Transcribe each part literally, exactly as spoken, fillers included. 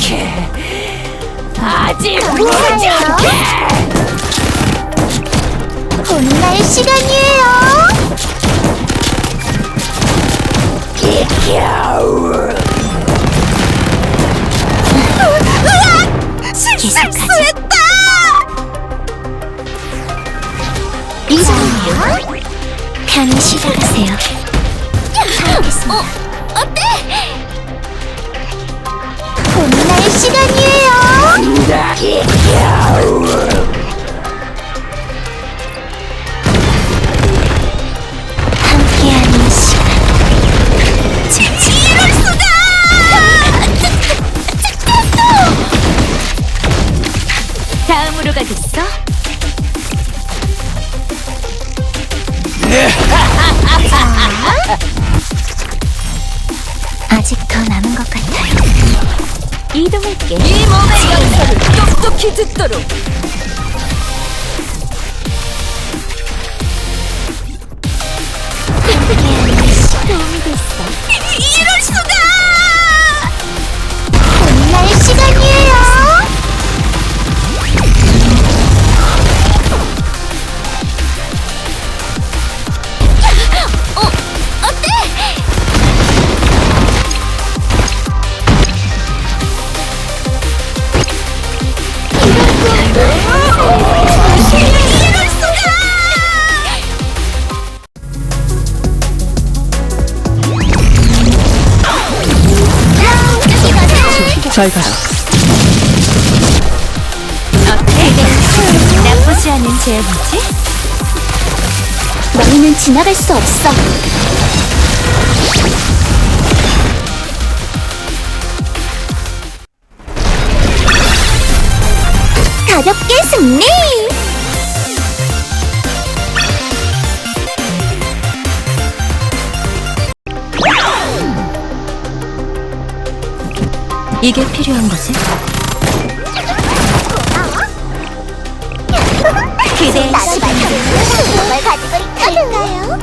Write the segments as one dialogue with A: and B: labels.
A: 않게. 아직 모르지 않게.
B: 혼날 시간이에요. 으악! 실수했다. 이상해요. 편히 시작하세요. 알겠습니다. 어, 어때? 혼날 시간이에요. 함께하는 시간. 이럴 수가!
A: 다음으로 가겠어?
B: 아직 더 남은 것 같아요.
A: 이동할게. 이 몸의 역사를 똑똑히 듣도록.
B: 함께하는 시간. 도움이 됐어.
A: 이럴 수가!
B: 혼날 시간이에요.
A: 어, 어때? 이럴 수가!
C: 잘 가라.
A: 어때? 나쁘지 않은 제안이지?
B: 너희는 지나갈 수 없어. 가볍게 승리!
A: 이게 필요한 거지?
B: 기대의 시간. 뭘 가지고 있거든요.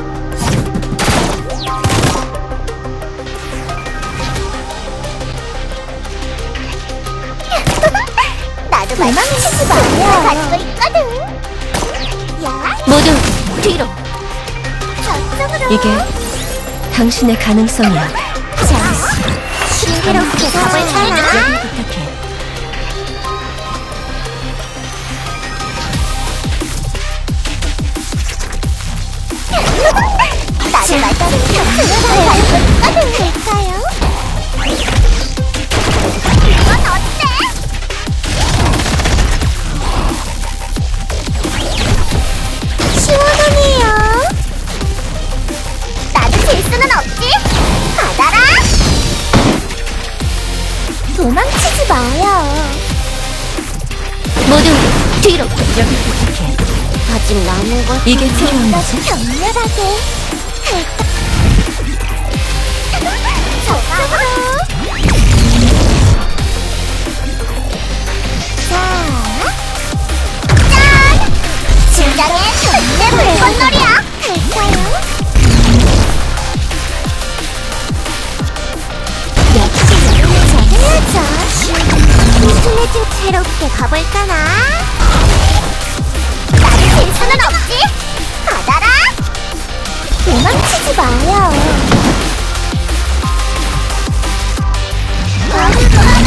B: 나도 말망치지 마요. 가지고 있거든. 야,
A: 모두 뒤로.
B: 저쪽으로.
A: 이게 당신의 가능성이야.
B: 자, 신비롭게 가볼까나?
A: 여기 부탁해.
B: 나도 날 따르는 격투를 가지고 있거든. 될까요? 이건 어때? 시원하네요. 나도 질 수는 없지. 받아라. 도망치지 마요.
A: 모두 뒤로. 여기 부탁해.
B: 아직 남은 것
A: 이게 필요한 거지?
B: 격렬하게. 저쪽으로. 자, 짠! 진정한 절대 물건놀이야. 갈까요? 역시 여름을 잘해야죠. 무슨 좀 새롭게 가볼까나? 나를 질 수는 없지. 받아라. 도망치지 마요. 나를 받아라.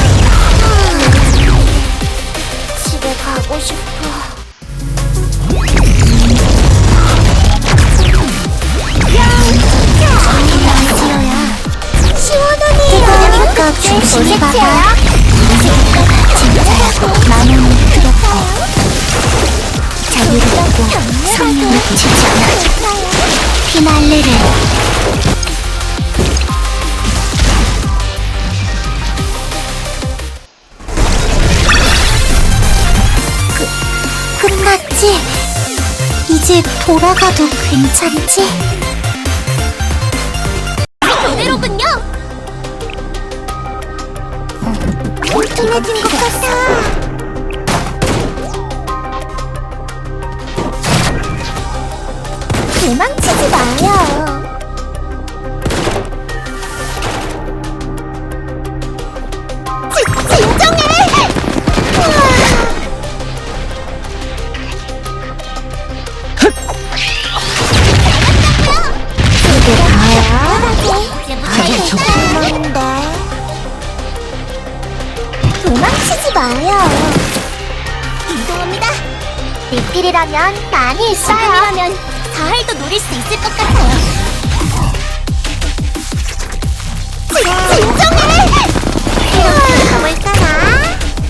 B: 집에 가고 싶어. 시원하네요. 그거 중심에 봐봐. 진짜라고 마음은 그렇고 자유를 얻고 성령을 지지 않아. 피날레를 그, 끝났지? 이제 돌아가도 괜찮지? 그대로군요. 뚱뚱해진 것 같아. 도망치지 마요. 지, 도망치지 마요. 이동합니다. 리필이라면 많이 있어요. 지금이라면 가을도 노릴 수 있을 것 같아요. 진, 진정해! 이렇게 가볼까나?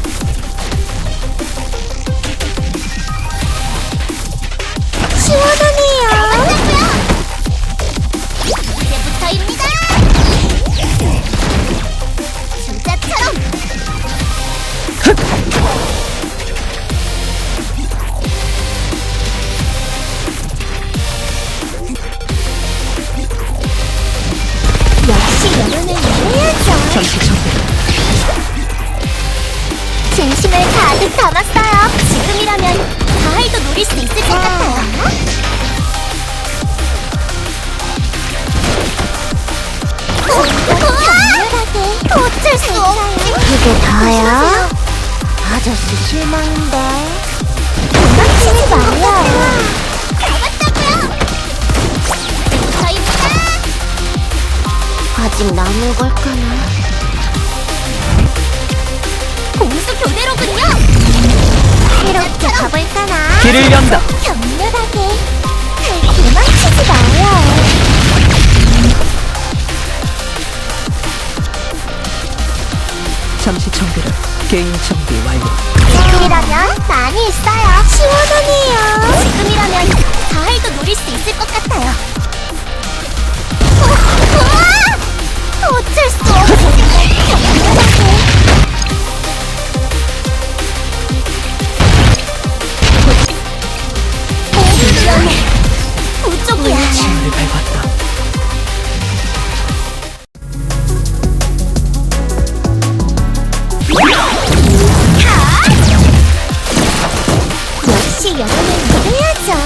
B: 시원하네요. 이제부터입니다. 주자처럼. 역시 여름은 이래야죠.
A: 잠시 정비.
B: 진심을 가득 담았어요. 지금이라면 가을도 노릴 수 있을 것 같아요. 강렬하게 어쩔 수 없지. 그게 다야? 아저씨 실망인데. 도망치지 마요. 잡았다고요. 저입니다. 아직 남은 걸까나? 공수 교대로군요. 새롭게 가볼까나?
A: 길을 연다.
B: 격렬하게 도망치지 마요.
A: 잠시 정비를. 개인 정비 완료.
B: 지금이라면 많이 있어요. 시원하네요. 지금이라면 가을도 노릴 수 있을 것 같아요. 어, 우와! 어쩔 수 없어. 격렬하게. 우쪽이야.
A: 진을 밟았다.
B: 역시 여름은 이래야죠.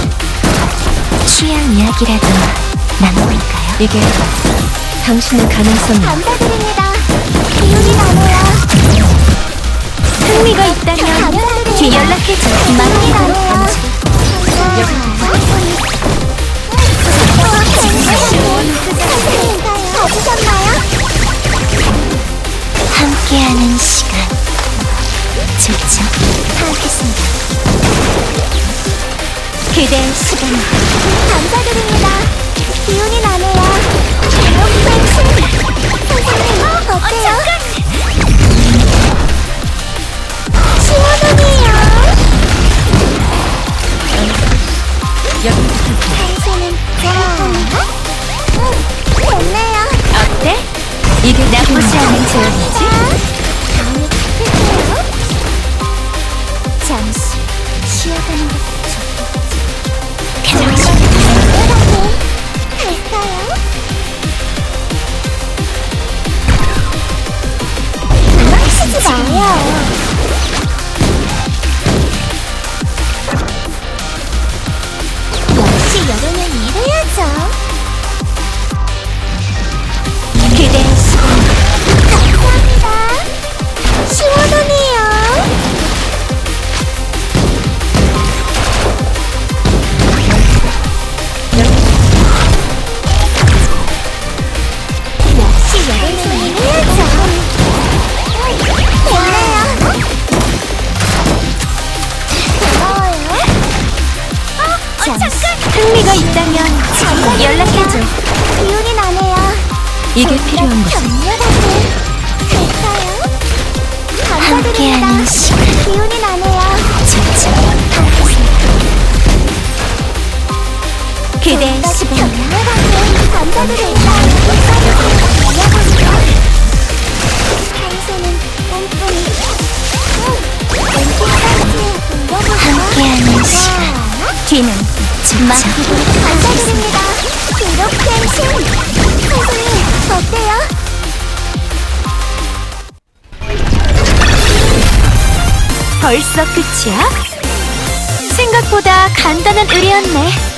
A: 취향 이야기라도 나눠볼까요? 이게 당신의 가능성이야.
B: 감사드립니다. 기운이 나네요.
A: 흥미가 있다면 뒤 연락해줘. 맡기도록 하지.
B: 봐주셨나요?
A: 함께하는 시간 좋죠?
B: 하겠습니다.
A: 기대의 시간.
B: 감사드립니다. 기운이 나네요. 이렇게 선생님 어때요? 시원하네요. 당신은 좋아합니다. 응, 됐네요.
A: 어때? 이게 나쁘지 않은 제안이지?
B: 다음에 뵐게요.
A: 잠시 쉬어가는 것도
B: 정말
A: 좋겠지.
B: 간단하게 할까요? 도망치지 마요. 역시 여름은 이래야죠.
A: 기대의 시간.
B: 감사합니다. 시원하네요. 역시 여름은 이래야죠. 됐네요. 고마워요. 어,
A: 잠시 흥미가 있다면 연락해줘.
B: 기운이 나네요.
A: 이게 필요한 거지.
B: 격렬하게 할까요?
A: 함께하는
B: 감사드립니다.
A: 시간
B: 기운이 나네요.
A: 좋죠. 기대의
B: 격렬하게
A: 시간.
B: 감사드립니다. 평소는 꼼꼼히
A: 함께하는 시간. 뒤는 좋죠.
B: 감사드립니다. 이렇게 신 선생님 어때요?
A: 벌써 끝이야? 생각보다 간단한 의뢰였네.